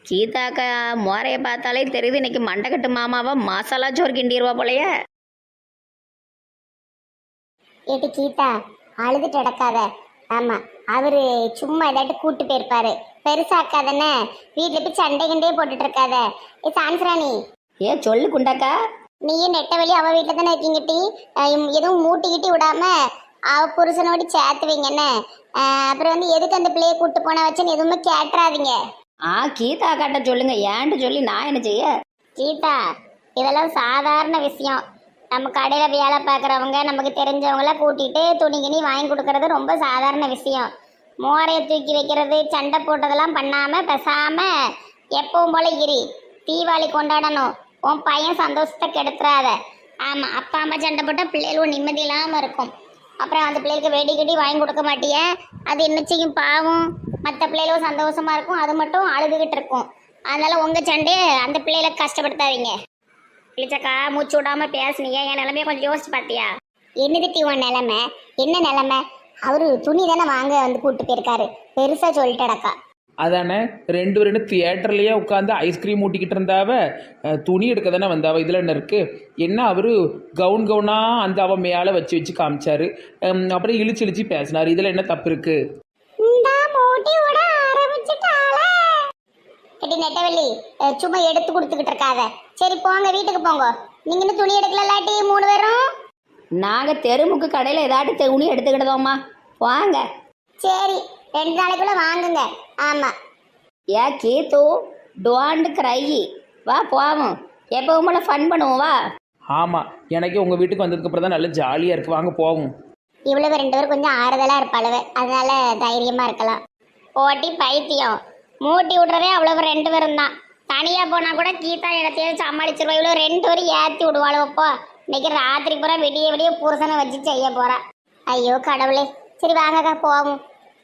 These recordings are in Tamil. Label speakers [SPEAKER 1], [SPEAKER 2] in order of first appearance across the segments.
[SPEAKER 1] கீதாக்கா மோரைய பார்த்தாலே தெரியுது இன்னைக்கு மண்டக்கட்டு மாமாவா மசாலா சோறு கிண்டிடுவா போலயே.
[SPEAKER 2] ஏட்டி கீதா, அழுதுட்டு கிடக்காத. ஆமா, அவரு சும்மா ஏதாட்டு கூட்டு போயிருப்பாரு. பெருசாக்காதானே, வீட்டுல போய் சண்டை கிண்டே போட்டுட்டு இருக்காத. ஏ சான்சராணி,
[SPEAKER 1] சொல்லு குண்டாக்கா.
[SPEAKER 2] நீயும் நெட்ட வழி அவ வீட்டுல தானே இருக்கீங்கட்டி. எதுவும் மூட்டிக்கிட்டி விடாம அவ புருஷனோடு சேர்த்து வைங்கன்னு. அப்புறம் எதுக்கு அந்த பிள்ளைய கூட்டு போன வச்சுன்னு எதுவுமே கேட்டுறாதீங்க.
[SPEAKER 1] கீதா காட்ட சொல்லுங்க, ஏன்ட்டு சொல்லி நான் என்ன செய்ய.
[SPEAKER 2] கீதா, இதெல்லாம் சாதாரண விஷயம். நம்ம கடையில வேலை பார்க்குறவங்க, நமக்கு தெரிஞ்சவங்கள கூட்டிட்டு துணி கிணி வாங்கி கொடுக்கறது ரொம்ப சாதாரண விஷயம். மோரையை தூக்கி வைக்கிறது, சண்டை போட்டதெல்லாம் பண்ணாம பேசாம எப்பவும் போல இரு. தீபாவளி கொண்டாடணும், உன் பையன் சந்தோஷத்தை கெடுத்துறாத. ஆமா, அப்பா அம்மா சண்டை போட்டால் பிள்ளைகளும் நிம்மதி இல்லாமல் இருக்கும். அப்புறம் அந்த பிள்ளைகளுக்கு வெடி கடி வாங்கி கொடுக்க மாட்டிய, அது என்ன செய்யும் பாவம். மற்ற பிள்ளைகளும் சந்தோஷமா இருக்கும், அது மட்டும் அழுதுகிட்டு இருக்கும். அதனால உங்க சண்டையை அந்த பிள்ளைகளை கஷ்டப்படுத்தாதீங்க. இளிச்சக்கா, மூச்சு விடாம பேசுனீங்க, என் நிலைமைய கொஞ்சம் யோசிச்சு பார்த்தியா? என்னது உன் நிலைமை? என்ன நிலைமை? அவரு துணி தானே வாங்க கூட்டு போயிருக்காரு, பெருசா சொல்லிட்டடக்கா.
[SPEAKER 3] அதானே ரெண்டு தியேட்டர்லேயே உட்காந்து ஐஸ்கிரீம் ஊட்டிக்கிட்டு இருந்தாவ, துணி எடுக்க தானே வந்தாவ. இதில் என்ன இருக்குது? என்ன அவர் கவுனாக அந்த அவ மேலே வச்சு வச்சு காமிச்சாரு, அப்புறம் இழிச்சு இழிச்சு பேசினார். இதில் என்ன தப்பு இருக்குது?
[SPEAKER 2] நெட்டவள்ளி, சும்மா எடுத்து கொடுத்துக்கிட்டு இருக்காத. சரி போங்க, வீட்டுக்கு போங்க. நீங்க இன்னும் துணி எடுக்கலாட்டி 3 பேரும்?
[SPEAKER 1] நாங்கள் தெருமுக்கு கடையில் ஏதாட்டு துணி எடுத்துக்கிட்டதோம்மா, வாங்க.
[SPEAKER 2] சரி, 2 நாளைக்குள்ள வாங்குங்க. ஆமா.
[SPEAKER 1] கீத்து, டோன்ட் கிரை, வா போவோம். எப்பவும் போல ஃபன் பண்ணுவோம், வா.
[SPEAKER 3] ஆமாம், எனக்கே உங்கள் வீட்டுக்கு வந்ததுக்கப்புறம் தான் நல்லா ஜாலியாக இருக்குது, வாங்க போவோம்.
[SPEAKER 2] இவ்வளவு 2 பேரும் கொஞ்சம் ஆறுதலா இருப்பாளுவ, அதனால தைரியமா இருக்கலாம். போட்டி பைத்தியம், மூட்டி விடுறதே அவ்வளவு 2 பேரும் தான். தனியா போனா கூட கீதா இடத்தையும் சமாளிச்சிருவா. இவ்வளவு 2 பேரும் ஏற்றி விடுவாளுவப்போ. இன்னைக்கு ராத்திரி பூரா விடிய விடிய புருஷனை வச்சு செய்ய போறா. ஐயோ கடவுளே. சரி வாங்கக்கா போவோம்.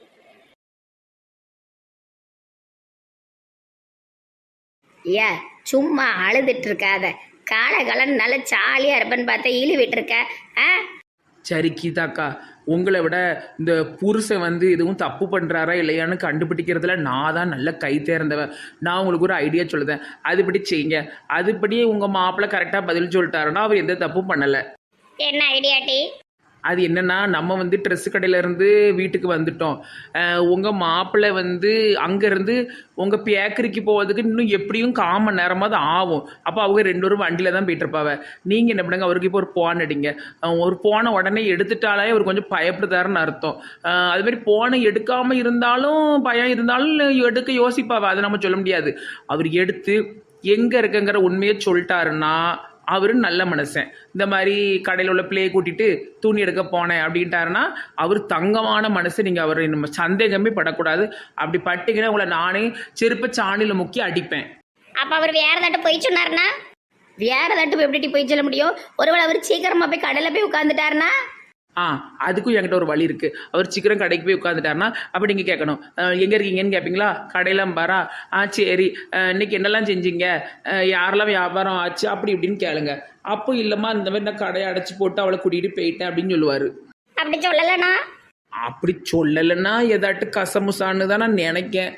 [SPEAKER 1] சும்மா அழுதுட்டு இருக்காத. காலகாலம் நல்ல ஜாலியா இருப்பேன்னு பார்த்தா இழி விட்டுருக்க.
[SPEAKER 3] சரி கீதாக்கா, உங்களை விட இந்த புருஷன் எதுவும் தப்பு பண்ணுறாரா இல்லையான்னு கண்டுபிடிக்கிறதுல நான் தான் நல்ல கை தேர்ந்தவன். நான் உங்களுக்கு ஒரு ஐடியா சொல்லுதேன், அதுபடி செய்யுங்க. அதுபடியே உங்கள் மாப்பிள்ளை கரெக்டாக பதில் சொல்லிட்டாருன்னா அவர் எந்த தப்பும் பண்ணலை.
[SPEAKER 2] என்ன ஐடியாட்டி?
[SPEAKER 3] அது என்னென்னா, நம்ம ட்ரெஸ்ஸு கடையிலேருந்து வீட்டுக்கு வந்துட்டோம். உங்கள் மாப்பிள்ளை அங்கேருந்து உங்கள் பேக்கரிக்கு போகிறதுக்கு இன்னும் எப்படியும் 1/4 மணி நேரமாவது ஆகும். அப்போ அவங்க 2 பேரும் வண்டியில் தான் போயிட்டுருப்பாவ. நீங்கள் என்ன பண்ணுங்க, அவருக்கு இப்போ ஒரு போன் அடிங்க. ஒரு போனை உடனே எடுத்துட்டாலே அவர் கொஞ்சம் பயப்படுதாருன்னு அர்த்தம். அதுமாரி போனை எடுக்காமல் இருந்தாலும் பயம் இருந்தாலும் எடுக்க யோசிப்பாவ, அதை நம்ம சொல்ல முடியாது. அவர் எடுத்து எங்கே இருக்குங்கிற உண்மையை சொல்லிட்டாருன்னா அவரு நல்ல மனுஷன். இந்த மாதிரி கடையில் உள்ள பிள்ளையை கூட்டிட்டு துணி எடுக்க போனேன் அப்படின்ட்டாருன்னா அவர் தங்கமான மனுஷன். நீங்கள் அவர் நம்ம சந்தேகமே படக்கூடாது. அப்படி பட்டிங்கன்னா உங்களை நானே செருப்ப சாணியில் முக்கி அடிப்பேன்.
[SPEAKER 2] அப்போ அவர் வேற தட்டு போய் சொன்னார்னா?
[SPEAKER 1] வேற தட்டு எப்படி போய் சொல்ல முடியும்? ஒருவேளை அவர் சீக்கிரமா போய் கடையில் போய் உட்காந்துட்டாருன்னா?
[SPEAKER 3] அதுக்கும் என்கிட்ட ஒரு வழி இருக்குது. அவர் சீக்கிரம் கடைக்கு போய் உட்காந்துட்டாருன்னா அப்போ நீங்கள் கேட்கணும், எங்கே இருக்கீங்கன்னு கேட்பீங்களா? கடையெல்லாம் பாரா, சரி இன்னைக்கு என்னெல்லாம் செஞ்சீங்க, யாரெல்லாம் வியாபாரம் ஆச்சு, அப்படி இப்படின்னு கேளுங்க. அப்போ இல்லைம்மா இந்த மாதிரி நான் கடையை அடைச்சி போட்டு அவளை கூட்டிகிட்டு போயிட்டேன் அப்படின்னு சொல்லுவார்.
[SPEAKER 2] அப்படி சொல்லலைன்னா?
[SPEAKER 3] அப்படி சொல்லலைன்னா ஏதாட்டு கசமுசான்னு தான் நான் நினைக்கேன்.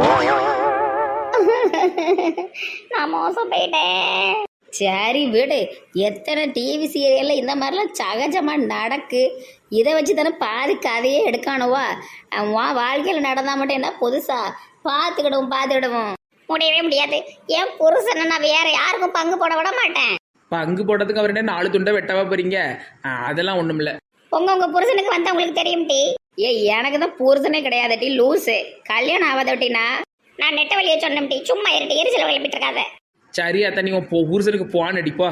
[SPEAKER 2] நான் மோசம் போயிட்டேன்.
[SPEAKER 1] சரி விடு, எத்தனை டிவி சீரியல்ல இந்த மாதிரிலாம் சகஜமாக நடக்கு. இதை வச்சு தானே பாதி கதையே எடுக்கானுவா. வாழ்க்கையில் நடந்தால் மட்டும் என்ன புதுசா? பார்த்துக்கிடுவோம்.
[SPEAKER 2] முடியவே முடியாது. என் புருஷனை நான் வேற யாருக்கும் பங்கு போட விட மாட்டேன்.
[SPEAKER 3] பங்கு போடுறதுக்கு அவர் என்ன 4 துண்டை வெட்டவா போறீங்க? அதெல்லாம் ஒன்றும் இல்லை.
[SPEAKER 2] உங்க புருஷனுக்கு வந்தா உங்களுக்கு தெரியும் டி.
[SPEAKER 1] எனக்கு தான் புருஷனே கிடையாது டி, லூஸு. கல்யாணம் ஆகாத ஒட்டினா
[SPEAKER 2] நான் நெட்ட வழியை சொன்னேன் டி. சும்மா இருட்டு எரிச்சல கிளப்பிட்டு இருக்காத.
[SPEAKER 3] சரி அத்தா, நீங்க ஊருக்கு போவான்னு அடிப்பா.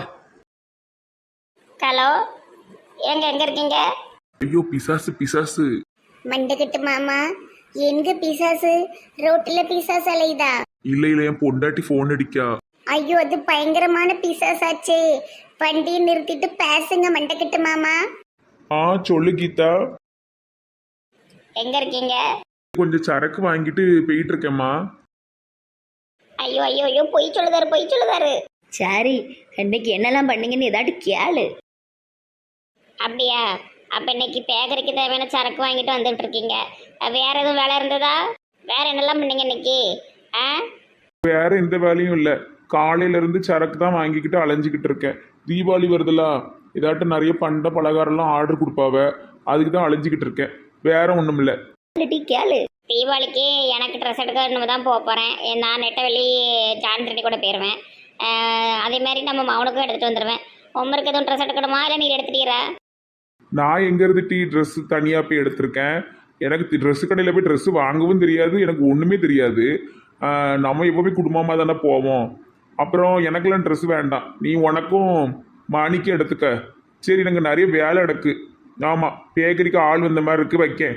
[SPEAKER 2] ஹலோ, எங்க இருக்கீங்க?
[SPEAKER 4] ஐயோ பிசாசு.
[SPEAKER 2] மண்டக்கிட்டு மாமா, எங்க பிசாசு? ரோட்ல பிசாசு அலையுதா?
[SPEAKER 4] இல்ல என் பொண்டாட்டி போன் அடிக்கா.
[SPEAKER 2] ஐயோ, அது பயங்கரமான பிசாசாச்சே. வண்டியை நிறுத்திட்டு பேசுங்க மண்டக்கிட்டு மாமா.
[SPEAKER 4] சொல்லு கீதா.
[SPEAKER 2] எங்க இருக்கீங்க?
[SPEAKER 4] கொஞ்சம் சரக்கு வாங்கிட்டு போயிட்டு இருக்கேம்மா.
[SPEAKER 2] ஐயோ ஐயோ ஐயோ, பொய் சொல்லுதாரு.
[SPEAKER 1] சரி, இன்னைக்கு என்னெல்லாம் பண்ணீங்கன்னு ஏதாட்டு கேளு.
[SPEAKER 2] அப்படியா? அப்ப இன்னைக்கு பேக்கரிக்கு தேவையான சரக்கு வாங்கிட்டு வந்துட்டு இருக்கீங்க. வேற எதுவும் வேலை இருந்ததா? வேற என்னெல்லாம் பண்ணீங்க இன்னைக்கு?
[SPEAKER 4] வேற எந்த வேலையும் இல்லை. காலையில இருந்து சரக்கு தான் வாங்கிக்கிட்டு அலைஞ்சிக்கிட்டு இருக்கேன். தீபாவளி வருதுல, இதாட்டும் நிறைய பண்ட பலகாரம்லாம் ஆர்டர் கொடுப்பாவ, அதுக்கு தான் அலைஞ்சிக்கிட்டு இருக்கேன். வேற ஒன்றும் இல்லை.
[SPEAKER 1] டீ கேளு.
[SPEAKER 2] தீபாவளிக்கு எனக்கு ட்ரெஸ் எடுக்க தான் போக போகிறேன். நான் நெட்டவெளி ஜான் ரெட்டி கூட போயிடுவேன். அதே மாதிரி நம்ம மவனுக்கும் எடுத்துகிட்டு வந்துடுவேன். உமருக்கு எதுவும் ட்ரெஸ் எடுக்கணுமா இல்லை நீ எடுத்துட்டீரா?
[SPEAKER 4] நான் எங்கேருந்து ட்ரெஸ் தனியாக போய் எடுத்திருக்கேன். எனக்கு ட்ரெஸ் கடையில் போய் ட்ரெஸ் வாங்கவும் தெரியாது, எனக்கு ஒன்றுமே தெரியாது. நம்ம எப்போவுமே குடும்பமாக தானே போவோம். அப்புறம் எனக்கெல்லாம் ட்ரெஸ் வேண்டாம், நீ உனக்கும் மணிக்கு எடுத்துக்க. சரி, எனக்கு நிறைய வேலை எடுக்கு. ஆமாம், பேக்கரிக்கு ஆள் வந்த மாதிரி இருக்கு, வைக்க.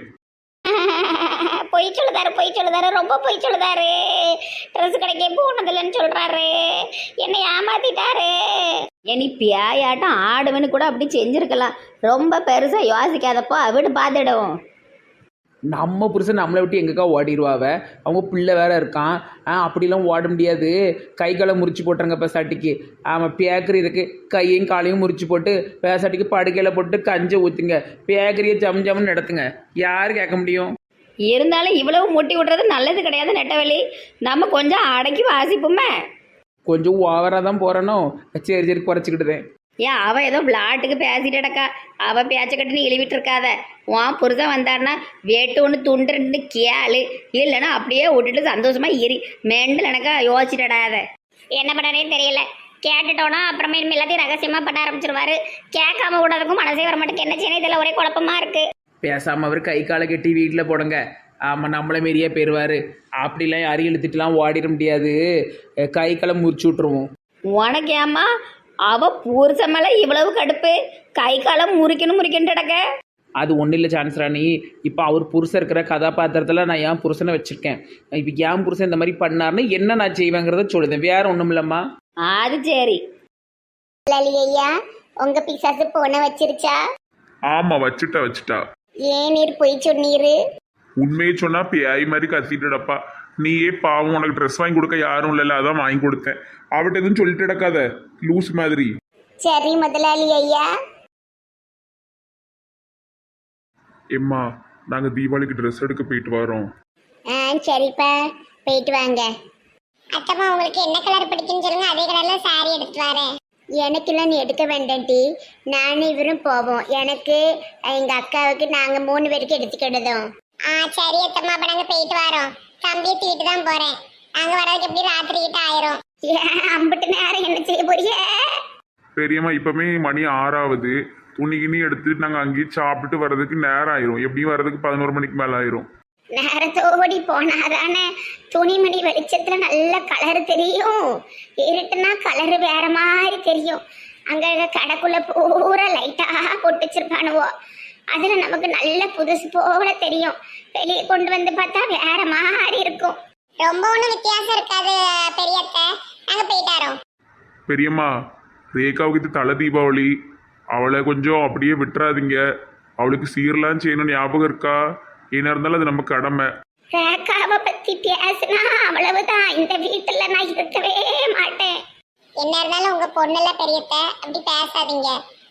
[SPEAKER 2] பொய் சொல்லுதாரு, ரொம்ப பொய் சொல்லுதாரு. ட்ரெஸ் கடைக்கே போனதில்லைன்னு சொல்கிறாரு. என்னை ஏமாத்திட்டாரு.
[SPEAKER 1] நீ பியாயாட்டம் ஆடுவேன்னு கூட அப்படி செஞ்சுருக்கலாம். ரொம்ப பெருசாக யோசிக்காதப்போ அவிட்டு பார்த்துடுவோம்.
[SPEAKER 3] நம்ம புருஷன் நம்மளை விட்டு எங்கக்கா ஓடிடுவாவ, அவங்க பிள்ளை வேற இருக்கான். அப்படிலாம் ஓட முடியாது. கை காலை முறிச்சு போட்டுருங்க பேசாட்டிக்கு. ஆமாம், பேக்கரி இருக்குது, கையையும் காலையும் முறிச்சு போட்டு பேசாட்டிக்கு படுக்கையில் போட்டு கஞ்சை ஊற்றுங்க, பேக்கரியை ஜம் ஜம்னு நடத்துங்க. யார் கேட்க முடியும்?
[SPEAKER 1] இருந்தாலும் இவ்வளவு முட்டி விடுறது நல்லது கிடையாது நெட்டவெளி. நம்ம கொஞ்சம் அடக்கி வாசிப்போமே.
[SPEAKER 3] கொஞ்சம் ஓவராக தான் போகிறனோ. சரி சரி, குறைச்சிக்கிட்டுதேன்.
[SPEAKER 1] ஏன் அவள் ஏதோ விளாட்டுக்கு பேசிட்டடக்கா. அவள் பேச்ச கட்டு நீ இழிவிட்டு இருக்காத. உன் புருஷன் வந்தாருன்னா வேட்டு ஒன்று துண்டு ரெண்டு கேளு, இல்லைன்னா அப்படியே விட்டுட்டு சந்தோஷமா இரு. மெண்டல் எனக்கா யோசிச்சிடாத.
[SPEAKER 2] என்ன பண்ணனே தெரியல. கேட்டுட்டோன்னா அப்புறமே எல்லாத்தையும் ரகசியமாக பண்ண ஆரம்பிச்சிருவாரு. கேட்காம விடாதக்கும் மனசே வர மாட்டேங்க. என்ன செய்யணும் இதில் ஒரே குழப்பமா இருக்கு.
[SPEAKER 3] பேசாமல் அவர் கை காலை கட்டி வீட்டில் போடுங்க. ஆமாம், நம்மளை மாரியே போயிடுவார். அப்படிலாம் யாரையும் இழுத்துட்டுலாம் ஓடிட முடியாது. கை காலை முறிச்சு விட்ருவோம்.
[SPEAKER 1] உனக்கு ஏம்மா அவ புருஷன் மேலே இவ்வளவு கடுப்பு? கை காலம் முறிக்கணும்டக்க.
[SPEAKER 3] அது ஒன்றும் இல்லை சான்ஸ் ராணி. இப்போ அவர் புருஷன் இருக்கிற கதாபாத்திரத்தில் நான் என் புருஷனை வச்சுருக்கேன். இப்போ என் புருஷன் இந்த மாதிரி பண்ணாருன்னு என்ன நான் செய்வேங்கிறத சொல்லுதேன், வேற ஒன்றும் இல்லைம்மா.
[SPEAKER 1] அது சரி.
[SPEAKER 2] ஐயா, உங்க பிசாசு போன வச்சிருச்சா?
[SPEAKER 4] ஆமா, வச்சுட்டா.
[SPEAKER 2] ஏன் நீர் பொய் சொன்னீரு?
[SPEAKER 4] உண்மையை சொன்னா பேய் மாதிரி கத்திட்டுடப்பா. நீயே பாவம், உனக்கு ட்ரெஸ் வாங்கி கொடுக்க யாரும் இல்லைல்ல, அதான் வாங்கி கொடுத்தேன். அவட்ட எதுவும் சொல்லிட்டு கிடக்காத லூஸ் மாதிரி.
[SPEAKER 2] சரி முதலாளி ஐயா.
[SPEAKER 4] எம்மா, நாங்க தீபாவளிக்கு ட்ரெஸ் எடுக்க போயிட்டு வரோம்.
[SPEAKER 2] சரிப்பா, போயிட்டு வாங்க. அத்தம்மா, உங்களுக்கு என்ன கலர் பிடிக்குன்னு சொல்லுங்க, அதே கலர்ல சாரி எடுத்துட்டு வரேன். எனக்கெல்லாம் நீ எடுக்க வேண்டாம் டி, நானும் இவரும் போவோம். எனக்கு எங்க அக்காவுக்கு நாங்க 3 பேருக்கு எடுத்துக்கிடுதோம். சரி அத்தம்மா, அப்ப நாங்க போயிட்டு வரோம். தம்பியை தூக்கிட்டு தான் போறேன். நாங்க வரதுக்கு எப்படி ராத்திரி கிட்ட ஆயிரும். அம்பிட்டு நேரம் என்ன செய்ய போறிய?
[SPEAKER 4] பெரியம்மா, இப்பவுமே மணி 6ஆகுது. துணி கிணி எடுத்துட்டு நாங்க அங்கேயே சாப்பிட்டு வர்றதுக்கு நேரம் ஆயிரும். எப்படியும் வர்றதுக்கு 11 மணிக்கு மேல ஆயிரும்.
[SPEAKER 2] நேரத்தோடி போனாதானே துணிமணி வெளிச்சத்துல நல்ல கலர் தெரியும். இருட்டுனா கலரு வேற மாதிரி தெரியும். அங்க கடைக்குள்ள பூரா லைட்டா போட்டு வச்சிருப்பானுவோ, அதுல நமக்கு நல்ல புதுசு போல தெரியும். வெளியே கொண்டு வந்து பார்த்தா வேற மாதிரி இருக்கும். ரொம்ப ஒன்றும் வித்தியாசம் இருக்காது பெரியத்த. நாங்க போயிட்டாரோம்.
[SPEAKER 4] பெரியம்மா, ரேகாவுக்கு இது தலை தீபாவளி, அவளை கொஞ்சம் அப்படியே விட்டுறாதீங்க. அவளுக்கு சீரெல்லாம் செய்யணும், ஞாபகம் இருக்கா? என்ன இருந்தாலும் அது நம்ம கடமை.
[SPEAKER 2] ரேகாவை பத்தி பேசினா அவ்வளவுதான். இந்த வீட்டுல நான் இருக்கவே மாட்டேன். என்ன இருந்தாலும் உங்க பொண்ணுல பெரியத்த, அப்படி பேசாதீங்க.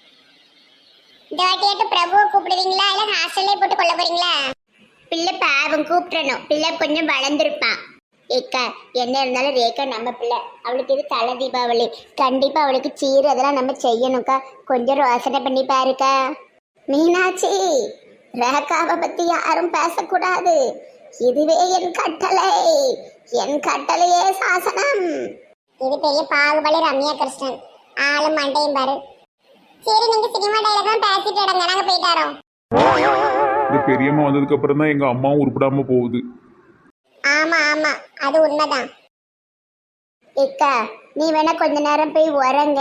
[SPEAKER 2] இந்த வாட்டியாட்டு பிரபுவை கூப்பிடுவீங்களா இல்ல ஹாஸ்டல்லே போட்டு கொள்ள போறீங்களா? பிள்ளை பாவம் கூப்பிடணும். பிள்ளை கொஞ்சம் வளர்ந்துருப்பான். ஏக்கா, என்ன இருந்தாலும் ரேகா நம்ம பிள்ளை. அவளுக்கு இது தலை தீபாவளி, கண்டிப்பா அவளுக்கு சீர் அதெல்லாம் நம்ம செய்யணும்க்கா. கொஞ்சம் யோசனை பண்ணி பாருக்கா. மீனாட்சி, ரேகாவை பத்தி யாரும் பேசக்கூடாது. இதுவே என் கட்டளை, என் கட்டளையே சாசனம். இது பெரிய பாகுபலி ரம்யா கிருஷ்ணன். ஆளும் மண்டையும் பாரு. சரி, நீங்க சினிமா டைலாக் தான் பேசிட்டு இடங்க, நாங்க போயிட்டாரோம்.
[SPEAKER 4] இந்த பெரியம்மா வந்ததுக்கு அப்புறம் தான் எங்க அம்மாவும் உருப்படாம போகுது.
[SPEAKER 2] ஆமா ஆமா, அது உண்மைதான். ஏக்கா, நீ வேணா கொஞ்ச நேரம் போய் உறங்க.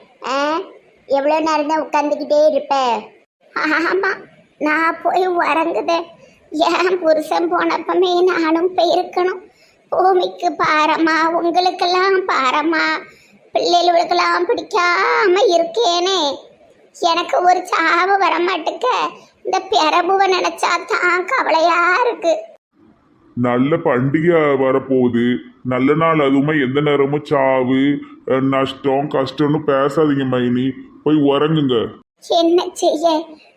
[SPEAKER 2] எவ்வளவு நேரம் தான் உட்காந்துக்கிட்டே இருப்ப? ஆமா, நான் போய் உறங்குதேன். என் புருஷன் போனப்பமே நானும் போயிருக்கணும். பூமிக்கு பாரமா, உங்களுக்கெல்லாம் பாரமா, பிள்ளைகளுக்கெல்லாம் பிடிக்காம இருக்கேனே. எனக்கு ஒரு சாவு வரமாட்டுக்க. இந்த பிரபுவை நினைச்சா தான் கவலையா இருக்கு.
[SPEAKER 4] நல்ல பண்டிகை வரப்போகுது, நல்ல நாள். அதுவுமே எந்த நேரமும் சாவு நஷ்டம் கஷ்டம்னு பேசாதீங்க மைனி, போய் உறங்குங்க.
[SPEAKER 2] என்ன செய்ய,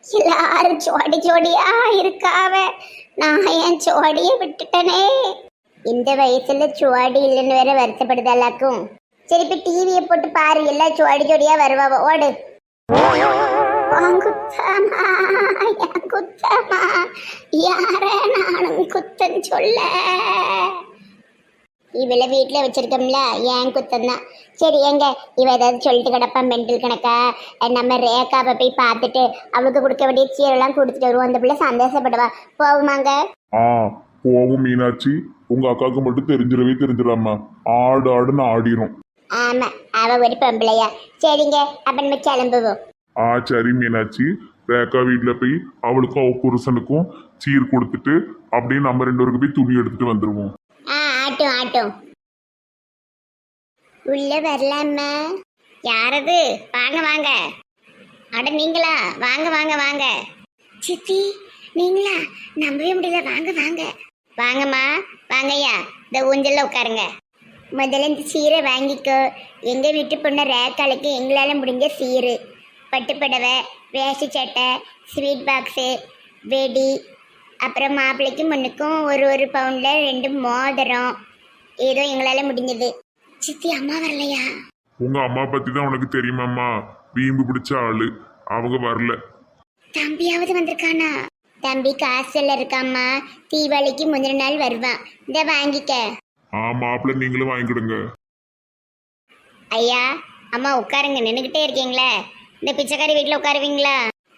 [SPEAKER 2] எல்லாரும் ஜோடி ஜோடியா இருக்காவ. நான் என் ஜோடியை விட்டுட்டனே. இந்த வயசுல சுவாடி இல்லைன்னு வேற வருத்தப்படுதாலாக்கும். சரி இப்ப டிவியை போட்டு பாரு, எல்லாம் சுவாடி ஜோடியா வருவா. ஓடு. குத்தமா என் குத்தமா யார நானும் குத்தம் சொல்ல. இவள வீட்டுல வச்சிருக்கோம்ல, ஏன் குத்தம் தான். சரி எங்க இவ ஏதாவது சொல்லிட்டு கிடப்பா மெண்டல் கணக்கா. நம்ம ரேகாவை போய் பார்த்துட்டு அவளுக்கு கொடுக்க வேண்டிய சீரெல்லாம் கொடுத்துட்டு வருவோம். அந்த பிள்ளை சந்தோஷப்படுவா. போகுமாங்க?
[SPEAKER 4] ஆ போகும் மீனாட்சி. உங்க அக்காவுக்கு மட்டும் தெரிஞ்சிடாமா, ஆடு ஆடுன்னு ஆடிரும்.
[SPEAKER 2] ஆமா, அவ ஒரு பொம்பளையா. சரிங்க, அப்ப நம்ம கிளம்புவோம்.
[SPEAKER 4] சரி மீனாட்சி. ரேக்கா வீட்டுல போய் அவளுக்கும் அவ புருஷனுக்கும் சீர் கொடுத்துட்டு அப்படியே நம்ம 2 பேருக்கு போய் துணி எடுத்துட்டு வந்துருவோம்.
[SPEAKER 2] ஆட்டும் ஆட்டும். உள்ள வரலாமா? யாரது? வாங்க வாங்க. அட நீங்களா? வாங்க வாங்க வாங்க. சித்தி நீங்களா? நம்பவே முடியல. வாங்க வாங்க. வாங்கம்மா வாங்கய்யா. இந்த ஊஞ்சல்ல உட்காருங்க. முதல்ல இந்த சீரை வாங்கிக்கோ. எங்க வீட்டு பொண்ணு ரேக்காளுக்கு எங்களால முடிஞ்ச சீரு, பட்டுப்படவை, வேஷ்டி சட்டை, ஸ்வீட் பாக்ஸு, வெடி, அப்புறம் மாப்பிள்ளைக்கு முன்னுக்கும் ஒரு பவுண்டில் 2 மோதிரம், ஏதோ எங்களால் முடிஞ்சது. சித்தி அம்மா வரலையா?
[SPEAKER 4] உங்க அம்மா பத்தி தான் உனக்கு தெரியுமாம்மா, வீம்பு பிடிச்ச ஆளு. அவங்க வரல.
[SPEAKER 2] தம்பியாவது வந்திருக்கானா? தம்பி காசுல இருக்காம்மா. தீபாவளிக்கு முந்தின நாள் வருவான். இந்த வாங்கிக்க.
[SPEAKER 4] மாப்பிள்ளை நீங்களும் வாங்கிக்கிடுங்க.
[SPEAKER 2] ஐயா அம்மா உட்காருங்க. நின்றுக்கிட்டே இருக்கீங்களே. இந்த பிச்சைக்காரி வீட்டில் உட்காருவீங்களா?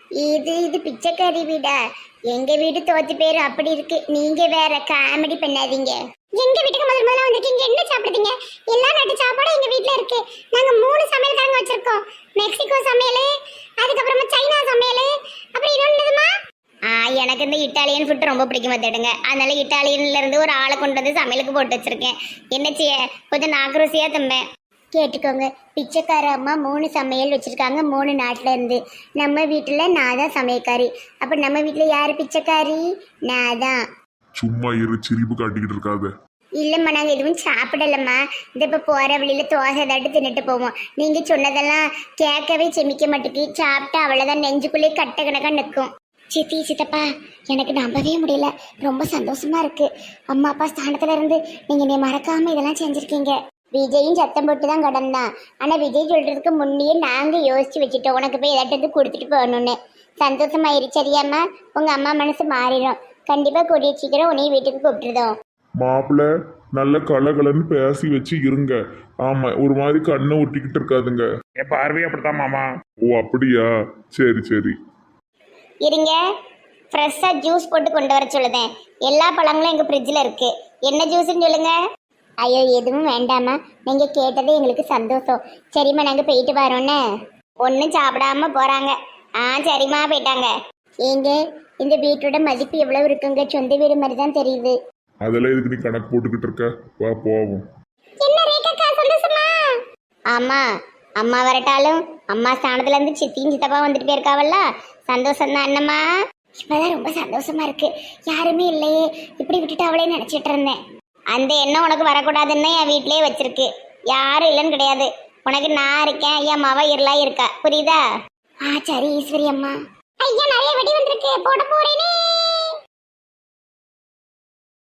[SPEAKER 2] இது பிச்சைக்காரி வீடா? எங்க வீடு தோத்து பேரு அப்படி இருக்கு. நீங்க வேற காமெடி பண்ணாதீங்க. எங்க வீட்டுக்கு முதல்ல வந்திருக்கீங்க. என்ன சாப்பிடுறீங்க? எல்லா நாட்டு சாப்பாடும் எங்க வீட்ல இருக்கு. நாங்க 3 சமையல்காரங்க வச்சிருக்கோம். மெக்சிகோ சமையல், அதுக்கப்புறமா சைனா சமையல், அப்புறம் இன்னொன்னுமா எனக்கு இந்த இட்டாலியன் ஃபுட் ரொம்ப பிடிக்கும் பார்த்துடுங்க. அதனால இட்டாலியன்ல இருந்து ஒரு ஆளை கொண்டு வந்து சமையலுக்கு போட்டு வச்சிருக்கேன். என்ன செய்ய, கொஞ்சம் நாக்குருசியா தம்பேன். கேட்டுக்கோங்க, பிச்சைக்கார அம்மா 3 சமையல் வச்சிருக்காங்க 3 நாட்டுல இருந்து. நம்ம வீட்டுல நான் தான் சமையக்காரி. அப்ப நம்ம வீட்டுல யாரு பிச்சைக்காரி? நான் தான்.
[SPEAKER 4] சும்மா இரு, சிரிப்பு காட்டிக்கிட்டு இருக்காத.
[SPEAKER 2] இல்லம்மா, நாங்க எதுவும் சாப்பிடலம்மா. இந்த இப்ப போற வழியில தோசை தட்டு தின்னுட்டு போவோம். நீங்க சொன்னதெல்லாம் கேட்கவே செமிக்க மாட்டேக்கு. சாப்பிட்டா அவ்வளவுதான், நெஞ்சுக்குள்ளே கட்ட கணக்கா நிற்கும். சித்தி சித்தப்பா, எனக்கு நம்பவே முடியல. ரொம்ப சந்தோஷமா இருக்கு. அம்மா அப்பா ஸ்தானத்துல இருந்து நீங்க என்னை மறக்காம இதெல்லாம் செஞ்சிருக்கீங்க. விஜயும் சத்தம் போட்டு தான் கடந்தான். ஆனா விஜய் சொல்றதுக்கு முன்னே நாங்க யோசிச்சு வச்சுட்டோம், உனக்கு போய் ஏதாட்டு கொடுத்துட்டு போகணும்னு. சந்தோஷமாயிருச்சு சரியாம்மா? உங்க அம்மா மனசு மாறிடும். கண்டிப்பா கூடிய சீக்கிரம் உன்னைய வீட்டுக்கு கூப்பிட்டுருதோம்.
[SPEAKER 4] மாப்பிள்ள நல்ல கலகலன்னு பேசி வச்சு இருங்க. ஆமா, ஒரு மாதிரி கண்ணை ஒட்டிக்கிட்டு இருக்காதுங்க.
[SPEAKER 3] என் பார்வையே அப்படித்தான் மாமா.
[SPEAKER 4] ஓ அப்படியா? சரி சரி.
[SPEAKER 2] இருங்க, ஃப்ரெஷ்ஷா ஜூஸ் போட்டு கொண்டு வர சொல்லுதேன். எல்லா பழங்களும் எங்க ஃப்ரிட்ஜில் இருக்கு. என்ன ஜூஸ்ன்னு சொல்லுங்க. ஐயோ எதுவும் வேண்டாமா, நீங்க கேட்டதே எங்களுக்கு சந்தோஷம். சரிம்மா, நாங்க போயிட்டு வரோன்னே. ஒன்றும் சாப்பிடாம போறாங்க. சரிம்மா போயிட்டாங்க. ஏங்க இந்த வீட்டோட மதிப்பு எவ்வளவு இருக்குங்க? சொந்த வீடு மாதிரி தான் தெரியுது.
[SPEAKER 4] அதெல்லாம் இதுக்கு நீ கணக்கு போட்டுக்கிட்டு இருக்க. வா போவோம்.
[SPEAKER 2] என்ன ரேகா சந்தோஷமா? ஆமா, அம்மா வரட்டாலும் அம்மா ஸ்தானத்துல இருந்து சித்தியும் சித்தப்பா வந்துட்டு போயிருக்காவல்ல, சந்தோஷம் தான். என்னம்மா இப்பதான் ரொம்ப சந்தோஷமா இருக்கு. யாருமே இல்லையே, இப்படி விட்டுட்டு அவளே நினைச்சிட்டு இருந்தேன். அந்த எண்ணம் உனக்கு வரக்கூடாதுன்னு என் வீட்லயே வச்சிருக்கு. யாரும் இல்லைன்னு கிடையாது. உனக்கு நான் இருக்கேன், என் மவ இருளா இருக்கா. புரியுதா? சரி ஈஸ்வரி அம்மா. ஐயா நிறைய வெடி வந்திருக்கு, போட போறேனே.